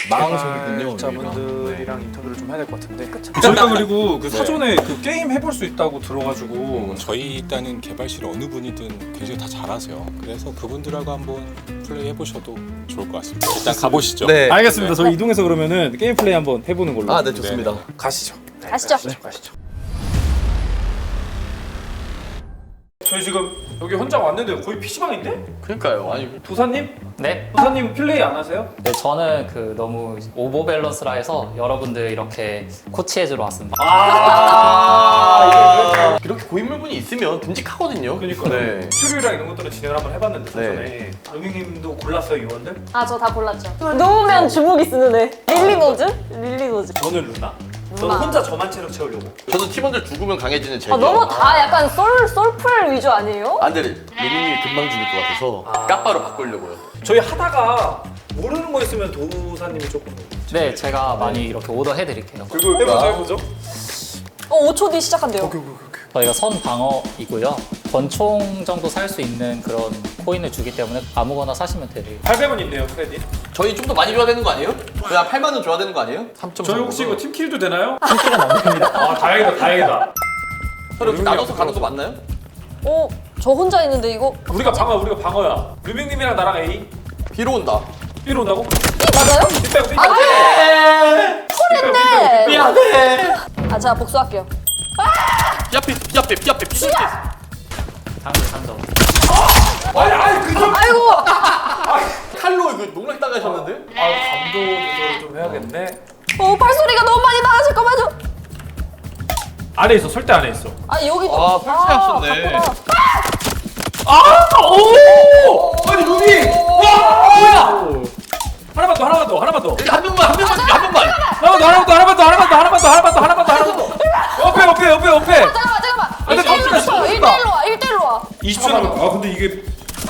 망설이군요. 자분들이랑 인터뷰를 좀 해야 될 것 같은데. 저희가 그리고 그 사전에 그 게임 해볼 수 있다고 들어가지고 저희 일단은 개발실 어느 분이든 굉장히 다 잘하세요. 그래서 그분들하고 한번 플레이 해보셔도 좋을 것 같습니다. 일단 가보시죠. 네. 알겠습니다. 저희 이동해서 그러면은 게임 플레이 한번 해보는 걸로. 아, 네, 좋습니다. 가시죠. 가시죠. 가시죠. 저희 지금 여기 혼자 왔는데 거의 PC방인데? 그러니까요. 아니, 도사님? 네. 도사님 플레이 안 하세요? 네, 저는 그 너무 오버 밸런스라 해서 여러분들 이렇게 코치해주러 왔습니다. 이렇게 고인물분이 있으면 듬직하거든요. 그러니까 네. 튜토리얼이랑 이런 것들은 진행을 한번 해봤는데 네. 전에 루밍님도 골랐어요 요원들? 아, 저 다 골랐죠. 놓으면 주먹이 쓰는 애. 릴리노즈? 릴리노즈. 저는 루나. 저는 루나. 혼자 저만 체력 채우려고. 저도 팀원들 죽으면 강해지는 제기. 아, 너무 다 약간 솔풀 위주 아니에요? 안 돼. 루미님이 금방 죽을 것 같아서 까빠로 바꾸려고요. 저희 하다가 모르는 거 있으면 도사님이 조금 네, 제가 많이 이렇게 오더 해드릴게요. 그리고 해보죠. 5초 뒤 시작한대요. 저희가 선 방어이고요. 권총 정도 살 수 있는 그런 코인을 주기 때문에 아무거나 사시면 돼요. 800원 있네요 크레딧. 저희 좀 더 많이 줘야 되는 거 아니에요? 그냥 8만 원 줘야 되는 거 아니에요? 3.3. 저희 혹시 이거 팀킬도 되나요? 팀킬은 안 됩니다. 아 다행이다. 서로 이렇게 나눠서 가는 거 맞나요? 저 혼자 있는데 이거 우리가 방어야. 루밍님이랑 나랑 A. 비로 온다. B로 온다고? 맞아요? B 빼고. 콜인데. 미안해. 아, 제가 복수할게요. 삐앞에. 상점. 아니 그거. 아이고. 칼로 이거 농락 당하셨는데? 감도 조절을 좀 해야겠네. 발소리가 너무 많이 나가실 거만요. 안에 있어. 설대 안에 있어. 아, 여기도. 아, 설치하셨네. 바쁘다. 오! 아니 루밍. 와 뭐야? 하나만 더. 한 명만. 하나만 더. 옆에. 잠깐만. 근데 깜짝이야. 1대1로 와. 20초 남았다. 아 근데 이게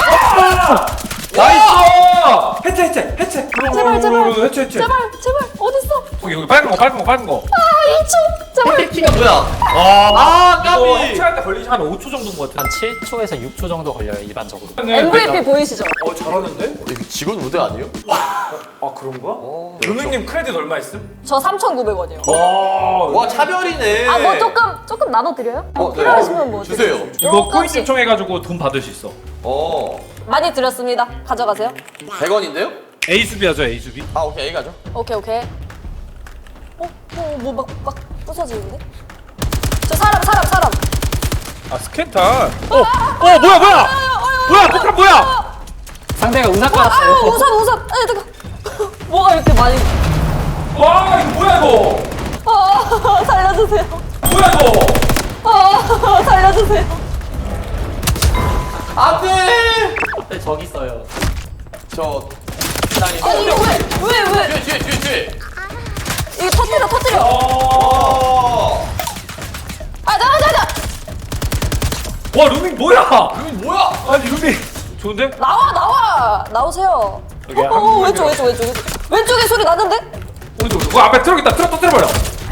나이스! 해체. 제발. 해체. 제발. 어딨어? 여기 빨간 거. 2초. 제발. 키가 뭐야? 이거 까비. 해체할 때 걸리지 한 5초 정도인 것 같아. 한 7초에서 6초 정도 걸려요, 일반적으로. MVP 보이시죠? 잘하는데? 이거 직원 우대 아니에요? 아 그런가? 루밍님 크레딧 얼마 있음? 저 3,900원이요. 와, 차별이네. 아, 뭐 조금 나눠드려요? 네. 필요하시면 뭐 주세요. 이거 코인 똑같이. 신청해가지고 돈 받을 수 있어. 많이 드렸습니다. 가져가세요. 100원인데요? A 수비 하죠 A 수비. 아, 오케이. A 가죠. 오케이. 뭐 막 부서지는데? 저 사람. 아 스캔탄. 뭐야 폭탄 뭐야? 상대가 우산 아, 깔았어요. 우산. 아니, 잠깐. 뭐가 이렇게 많이. 와 이거 뭐야 이거? 살려주세요. 뭐야 이거? 살려주세요. 안 돼! 앞에 저기 있어요. 저, 아니, 이거 왜? 뒤에. 이거 터뜨려. 아, 나. 와 루밍 뭐야? 루미 뭐야? 아니 루밍 좋은데? 나오세요. 여기 한 명, 왼쪽에 소리 났는데? 오른쪽. 앞에 트럭 있다. 트럭 터뜨려버려.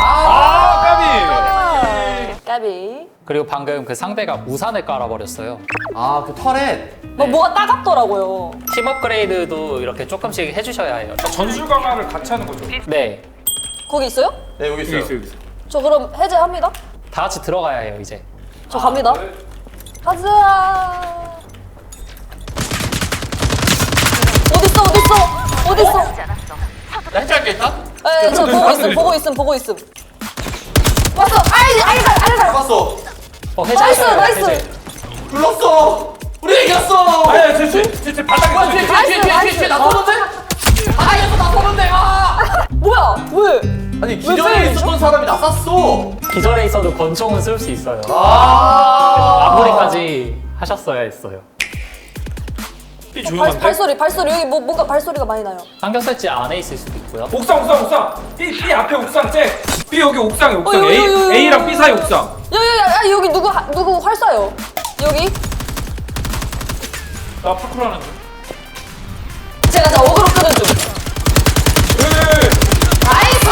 까비. 까비. 그리고 방금 그 상대가 우산을 깔아버렸어요. 아, 그 터렛. 뭐가 따갑더라고요. 팀 업그레이드도 이렇게 조금씩 해주셔야 해요. 전술 강화를 같이 하는 거죠. 네, 거기 있어요? 네, 여기 있어요. 여기 있어. 저 그럼 해제합니다. 다 같이 들어가야 해요, 이제. 저 갑니다. 가자. 어딨어? 나 해체할게, 일단. 네, 저 보고 있음. 왔어. 알갈. 잡았어. 나이스. 불렀어. 우리 이겼어. 아니 제 바닥에 뒤에 나 쏘는데? 바닥에서 나 쏘는데. 뭐야? 왜? 아니, 기존에 있었던 사람이 나 쐈어. 기절에 있어도 권총은 쓸 수 있어요. 마무리까지. 마무리까지 하셨어야 했어요. 이 조용한데? 발소리 여기 뭔가 발소리가 많이 나요. 상경 설치 안에 있을 수도 있고요. 옥상. B 앞에 옥상 쟤. B 여기 옥상에 옥상. 여기. A랑 B 사이 옥상. 여기 누구 활 쏴요? 여기? 나 파쿠르하는 중. 제가 어그로 끄는 중. 나이스.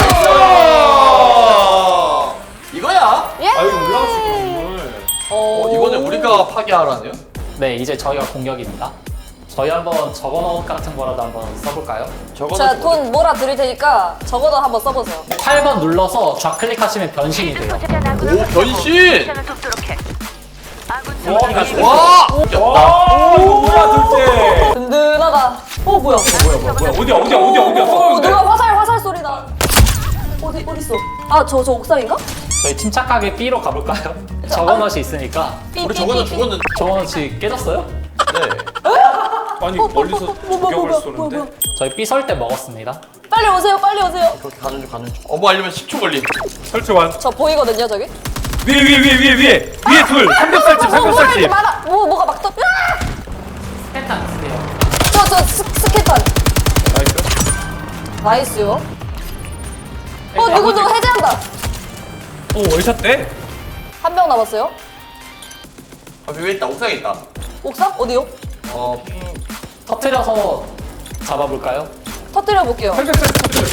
이거야. 예. 아 여기 올라갈 수 있구나. 이번에 우리가 파괴하라네요? 네, 이제 저희가 공격입니다. 저희 한번 적어놓은 같은 거라도 한번 써볼까요? 제가 돈 몰아 드릴 테니까 적어도 한번 써보세요. 8번 눌러서 좌클릭하시면 변신이 돼요. 오 변신! 와! 와! 와, 이거 뭐야, 둘째. 든든하다. 뭐야? 뭐야, 어디야? 누가 화살 소리 나. 어딨어? 저 옥상인가? 저희 침착하게 B로 가볼까요? 적어놓이 있으니까. 우리 저거는 죽었는데. 적어놓이 깨졌어요? 네. 아니, 멀리서 저격을 쏘는데. 저희 B 설 때 먹었습니다. 빨리 오세요. 그렇게 가는 중. 어머 알려면 10초 걸림. 설치 완. 저 보이거든요, 저기. 위에 둘. 삼겹살집. 뭐가 이렇게 많아? 뭐가 막 떠? 으아! 스캔탄 쓰세요. 저 스케탄. 나이스요. 누구 해제한다. 오, 월샷 때? 한 명 남았어요. 위에 있다. 옥상에 있다. 옥상? 어디요? 터트려서 잡아볼까요? 터뜨려 볼게요. 삼겹살 터뜨려.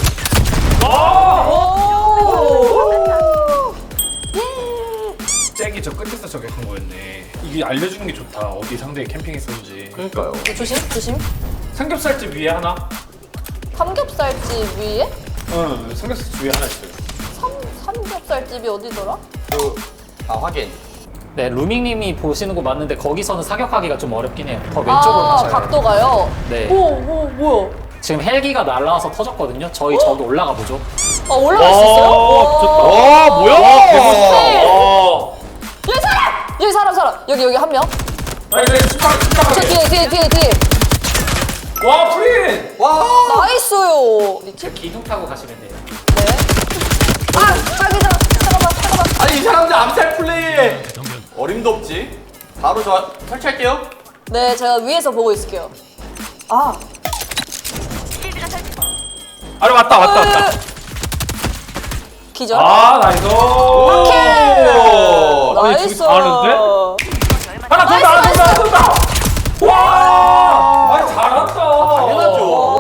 잭이 저 끝에서 저격한 거였네. 이게 알려주는 게 좋다. 어디 상대에 캠핑했었는지. 그러니까요. 조심. 삼겹살집 위에 하나? 삼겹살집 위에? 응, 삼겹살집 위에 하나 있어요. 삼겹살집이 어디더라? 확인. 네, 루밍님이 보시는 거 맞는데 거기서는 사격하기가 좀 어렵긴 해요. 더 왼쪽으로 가셔야 돼요. 각도가요? 네. 뭐야? 지금 헬기가 날라와서 터졌거든요. 저희 저기 올라가 보죠. 올라갈 수 있어요? 와 뭐야? 여기 사람. 여기 한 명. 저 뒤에. 와, 프린! 와. 나이스요. 기둥 타고 가시면 돼요. 네. 자기장. 잠깐만. 아니 이 사람들 암살 플레이. 어림도 없지. 바로 저 설치할게요. 네, 제가 위에서 보고 있을게요. 아래 왔다. 기절. 나이스. 나이스. 다 하는데? 하나 쏜다. 와! 아니, 잘한다. 당연하죠.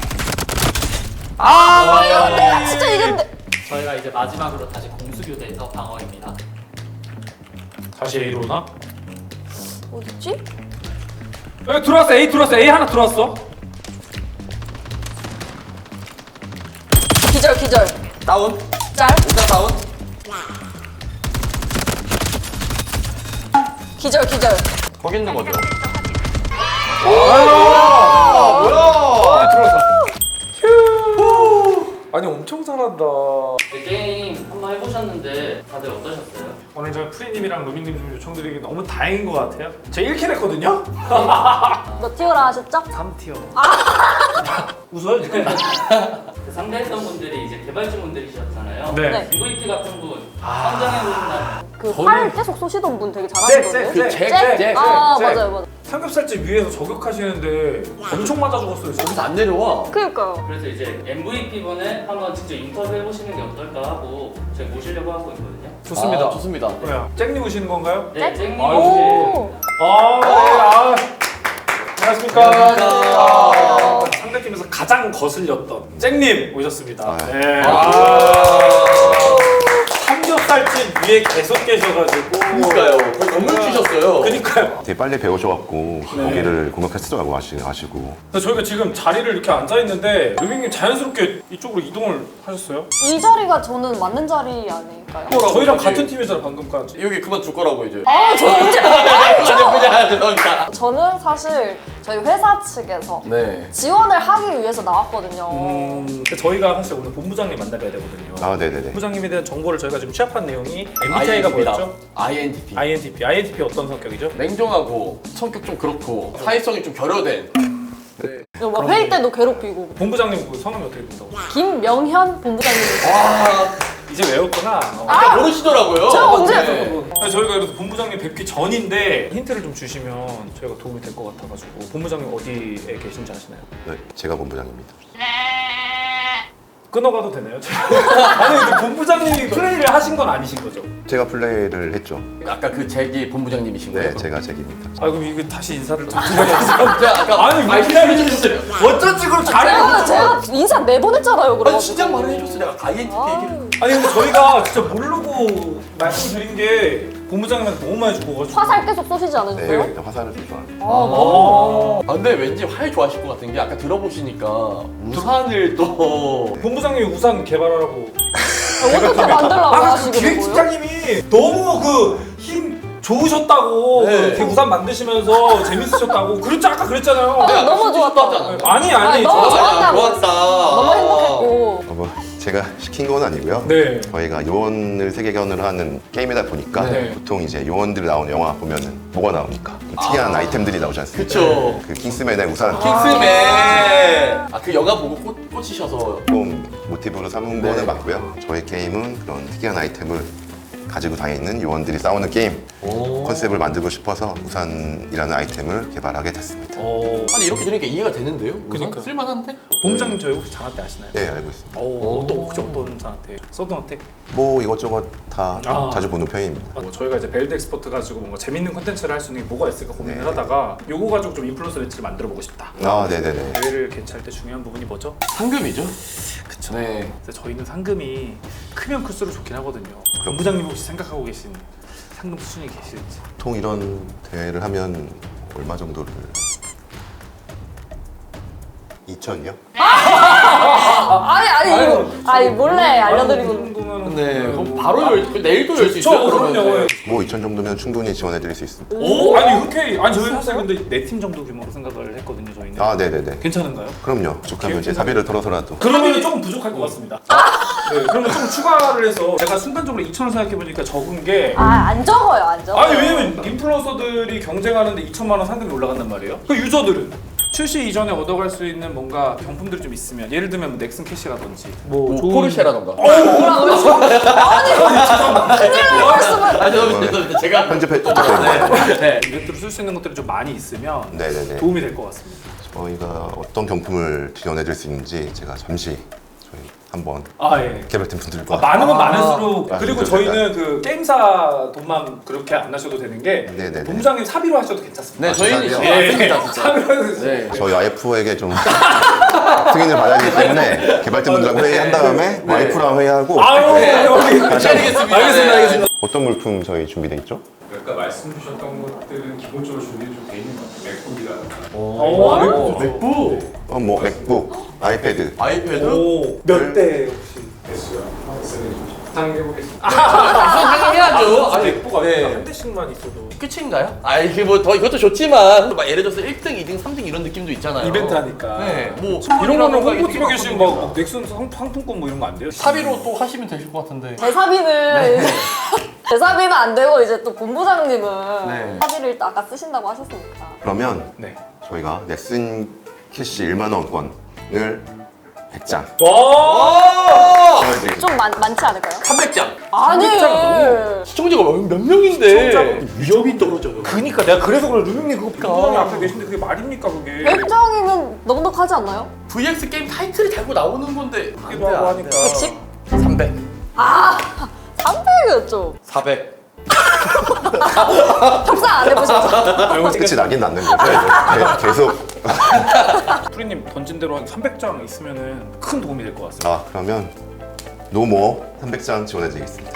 이겼는데. 진짜 이겼는데. 저희가 이제 마지막으로 다시 공수교대에서 방어입니다. 다시 A로 오나? 어딨지? 여기 들어왔어. A 하나 들어왔어. 기절. 다운. 짤. 옥상 다운. 기절. 거기 있는 거죠. 뭐야? 들어왔어. 아니, 엄청 잘한다. 게임 한번 해보셨는데 다들 어떠셨어요? 오늘 저희 프리님이랑 루미님 좀 요청드리기 너무 다행인 것 같아요. 제가 1킬 했거든요? 몇 티어라 하셨죠? 3티어. 웃어요, 지금? 그 상대했던 분들이 이제 개발진분들이셨잖아요. 네. MVP 같은 분 선정해보신다면 활 계속 쏘시던 분 되게 잘하시던데. 잭. 맞아요. 삼겹살집 위에서 저격하시는데 엄청 맞아 죽었어요. 지금. 거기서 안 내려와. 그니까요. 그래서 이제 MVP분을 한번 직접 인터뷰 해보시는 게 어떨까 하고 제가 모시려고 하고 있거든요. 좋습니다. 좋습니다. 뭐야? 잭님 오시는 건가요? 네, 잭님 아유. 혹시 안녕하십니까. 상대팀에서 가장 거슬렸던 잭님 오셨습니다. 네. 삼겹살집 위에 계속 계셔가지고. 그러니까요. 거의 건물 치셨어요. 그니까요. 되게 빨리 배우셔갖고 거기를 공격했으라고 하시고 그래서 저희가 지금 자리를 이렇게 앉아있는데 루빙님 자연스럽게 이쪽으로 이동을 하셨어요? 이 자리가 저는 맞는 자리 아닐까요? 저희랑 같은 팀이잖아 방금까지. 여기 그만 줄 거라고 이제. 저 언제? 그냥 죄송합니다. 저는 사실 저희 회사 측에서 네. 지원을 하기 위해서 나왔거든요. 저희가 사실 오늘 본부장님 만나봐야 되거든요. 네네네. 본부장님에 대한 정보를 저희가 지금 취합한 내용이 MBTI가 뭐였죠? INTP. INTP 어떤 성격이죠? 냉정하고 성격 좀 그렇고 사회성이 좀 결여된. 막 회의 때도 괴롭히고. 본부장님 그 성함이 어떻게 된다고? 김명현 본부장님. 이제 외웠구나. 아, 모르시더라고요. 제가 언제? 아니, 저희가 그래서 본부장님 뵙기 전인데 힌트를 좀 주시면 저희가 도움이 될 것 같아가지고 본부장님 어디에 계신지 아시나요? 네, 제가 본부장입니다. 끊어가도 되나요? 아니 근데 본부장님이 플레이를 하신 건 아니신 거죠? 제가 플레이를 했죠. 아까 그 잭이 본부장님이신 거예요? 네, 제가 잭입니다. 아 그럼 이거 다시 인사를 좀 드려야겠어요. 제가 아까 아니, 말씀해 주셨어요. 어쩐지 그럼 잘해요. 제가 인사 4번 했잖아요, 그럼. 아니 진작 말을 해줬어. 내가 INTP 얘기를. 아니 근데 저희가 진짜 모르고 말씀드린 게 본부장님한테 너무 많이 주고 가지고. 화살 계속 쏘시지 않으세요? 네, 화살을 좀 좋아합니다. 아, 근데 왠지 활 좋아하실 것 같은 게 아까 들어보시니까 우산을 또 본부장님이 우산 개발하라고. 어떻게 만들라고 그 하시게 된 거예요? 기획팀장님이 너무 그 힘 좋으셨다고 네. 이렇게 우산 만드시면서 재밌으셨다고 그랬죠 아까 그랬잖아요. 너무 좋았다. 아니 너무 저 좋았다고. 좋았다. 너무 행복했고. 뭐 제가 시킨 건 아니고요. 네. 저희가 요원을 세계관으로 하는 게임이다 보니까 네. 보통 이제 요원들 나오는 영화 보면은 뭐가 나오니까 특이한 아이템들이 나오지 않습니까? 그쵸. 그 킹스맨의 우산 킹스맨. 그 영화 보고 꽂히셔서. 좀 모티브로 삼은 네. 거는 맞고요. 저희 게임은 그런 특이한 아이템을 가지고 다니는 요원들이 싸우는 게임 컨셉을 만들고 싶어서 우산이라는 아이템을 개발하게 됐습니다. 아니 이렇게 들으니까 이해가 되는데요? 그러니까. 쓸만한데? 본부장님 저희 혹시 장한테 아시나요? 네, 알고 있습니다. 또 혹시 어떤 장한테? 서든어택? 뭐 이것저것 다 아. 자주 보는 편입니다. 저희가 이제 벨드 엑스퍼트 가지고 뭔가 재밌는 콘텐츠를 할 수 있는 게 뭐가 있을까 고민을 네. 하다가 요거 가지고 좀 인플루언서 매치를 만들어 보고 싶다. 아, 네네네. 대회를 개최할 때 중요한 부분이 뭐죠? 상금이죠? 그쵸. 네. 그래서 저희는 상금이 크면 클수록 좋긴 하거든요. 본부장님 혹시 생각하고 계신 상금 수준이 계실지? 보통 이런 대회를 하면 얼마 정도를? 2천이요? 아니 몰래 알려드리고. 정도면 네. 그럼 바로 내일도 열 수 있어요? 그러면. 그럼요. 뭐 2천 정도면 충분히 지원해드릴 수 있습니다. 오, 아니 흔쾌히. 아니 저희 사실 근데 4팀 정도 규모로 생각을 했거든요. 저희는. 아, 네네네. 괜찮은가요? 그럼요. 부족하면 제 사비를 털어서라도. 그러면 조금 부족할 것 같습니다. 네, 그러면 좀 추가를 해서 제가 순간적으로 2,000원 생각해보니까 적은 게 안 적어요, 안 적어요. 아니 왜냐면 인플루언서들이 경쟁하는데 2천만 원 상금이 올라간단 말이에요. 그 유저들은 출시 이전에 얻어갈 수 있는 뭔가 경품들이 좀 있으면 예를 들면 뭐 넥슨 캐시라든지 뭐 포르쉐라던가. 아 죄송합니다. 제가 편집했죠. 네. 이것들을 쓸 수 있는 것들이 좀 많이 있으면 네네네. 도움이 될 것 같습니다. 저희가 어떤 경품을 지원해드릴 수 있는지 제가 잠시 저희 한번 아 예. 개발팀 분들과 많으면 많을수록 그리고 맞습니다. 저희는 그 게임사 돈만 그렇게 안 하셔도 되는 게 네네네. 본부장님 사비로 하셔도 괜찮습니다. 네, 저희는 사비요? 신경 안 씁니다, 진짜. 사비로 해서 네. 저희 와이프에게 좀 승인을 받아야 되기 때문에 개발팀 분들과 회의한 다음에 와이프랑 회의하고 아유 여기 다시 한번 알겠습니다. 알겠습니다. 어떤 물품 저희 준비돼 있죠? 아까 말씀 주셨던 것들은 기본적으로 준비 좀 돼 있는 것 같아요. 맥북이라든가. 맥북. 뭐 맥북, 아이패드. 아이패드. 몇 대 혹시? 됐어요. 상해보겠습니다. 상의해야죠. 아, 맥북 아니까 네. 한 대씩만 있어도 끝인가요? 아 이게 뭐 더 이것도 좋지만 막 예를 들어서 1등, 2등, 3등 이런 느낌도 있잖아요. 이벤트 하니까. 네. 뭐 이런 거는 선물이라던가 홍보팀에 이렇게 계신 바꾸니까. 막 넥슨 상품권 뭐 이런 거 안 돼요? 사비로 또 하시면 되실 것 같은데. 대사비는 대사비는 안 되고 이제 또 본부장님은 네. 사비를 일단 아까 쓰신다고 하셨으니까. 그러면 네. 저희가 넥슨 캐시 1만 원권을 100장 와! 보여드리겠습니다. 좀 많지 않을까요? 300장. 아니. 시청자가 몇 명인데 위협이 떨어져요. 그니까 내가 그래서 그래 루밍님 그거 본부장님 앞에 계신데 그게 말입니까 그게? 100장이면 넉넉하지 않나요? VX 게임 타이틀이 달고 나오는 건데 안 돼, 기도 하고 안 돼. 하니까. 110? 300. 300이었죠. 400. 협상 안 해보셨죠? 끝이 나긴 났는 거죠. 계속. 프리님 던진 대로 한 300장 있으면은 큰 도움이 될 것 같습니다. 아, 그러면 노모 300장 지원해드리겠습니다.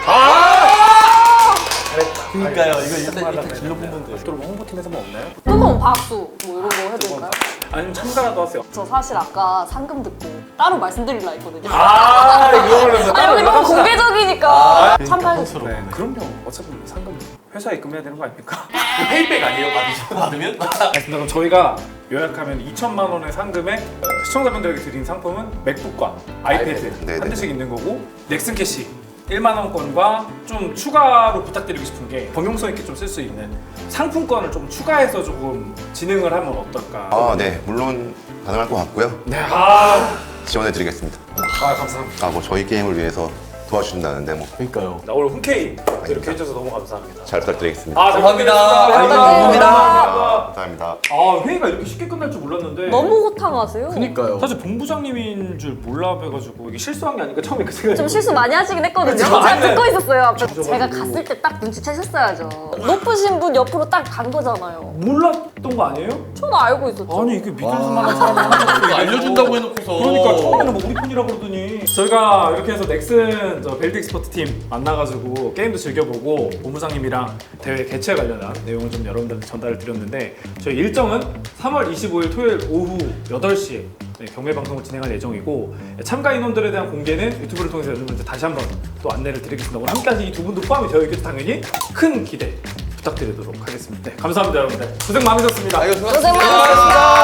그러니까요. 이거 일단 질러 뽑는데. 또 홍보팀에서 뭐 없나요? 뜨거운 박수 뭐 이런 거 해드릴까요? 아니면 참가라도 하세요. 저 사실 아까 상금 듣고 따로 말씀드리려 했거든요. 아 이거를 아, 여기 너무 공개적이니까 참가해주세요. 네, 그럼요. 어차피 상금 회사에 입금해야 되는 거 아닙니까? 페이백 아니에요? 받으면? 알겠습니다. 그럼 저희가 요약하면 2천만 원의 상금에 시청자분들에게 드린 상품은 맥북과 아이패드 네네. 한 대씩 있는 거고 넥슨 캐시 1만 원권과 좀 추가로 부탁드리고 싶은 게 범용성 있게 좀 쓸 수 있는 상품권을 좀 추가해서 조금 진행을 하면 어떨까? 아, 네. 물론 가능할 것 같고요. 네, 지원해드리겠습니다. 감사합니다. 뭐 저희 게임을 위해서 도와주신다는데 뭐 그러니까요. 나 오늘 흔쾌히 이렇게 해줘서 너무 감사합니다. 잘 부탁드리겠습니다. 잘 감사합니다. 부탁드리겠습니다. 감사합니다. 아 회의가 이렇게 쉽게 끝날 줄 몰랐는데 너무 호탕하세요. 그니까요. 사실 본부장님인 줄 몰라봐가지고 이게 실수한 게 아니까 처음에 그 생각이 좀 실수 많이 하시긴 했거든요. 그쵸? 제가 아니, 듣고 있었어요. 앞에. 저거 제가 가지고. 갔을 때 딱 눈치채셨어야죠. 높으신 분 옆으로 딱 간 거잖아요. 몰랐던 거 아니에요? 저는 알고 있었죠. 아니 이게 믿을 만한 사람이 이거 알려준다고 해놓고서. 그러니까 처음에는 뭐 우리 편이라고 그러더니. 저희가 이렇게 해서 넥슨 저 벨트 익스퍼트 팀 만나가지고 게임도 즐겨보고 본부장님이랑 대회 개최 관련한 내용을 좀 여러분들한테 전달을 드렸는데 저희 일정은 3월 25일 토요일 오후 8시에 경매 방송을 진행할 예정이고 참가 인원들에 대한 공개는 유튜브를 통해서 여러분들 다시 한번 또 안내를 드리겠습니다. 오늘 함께하신 이 두 분도 포함이 되어 있겠죠. 당연히 큰 기대 부탁드리도록 하겠습니다. 네, 감사합니다 여러분들. 고생 많으셨습니다. 아이고, 고생 많으셨습니다.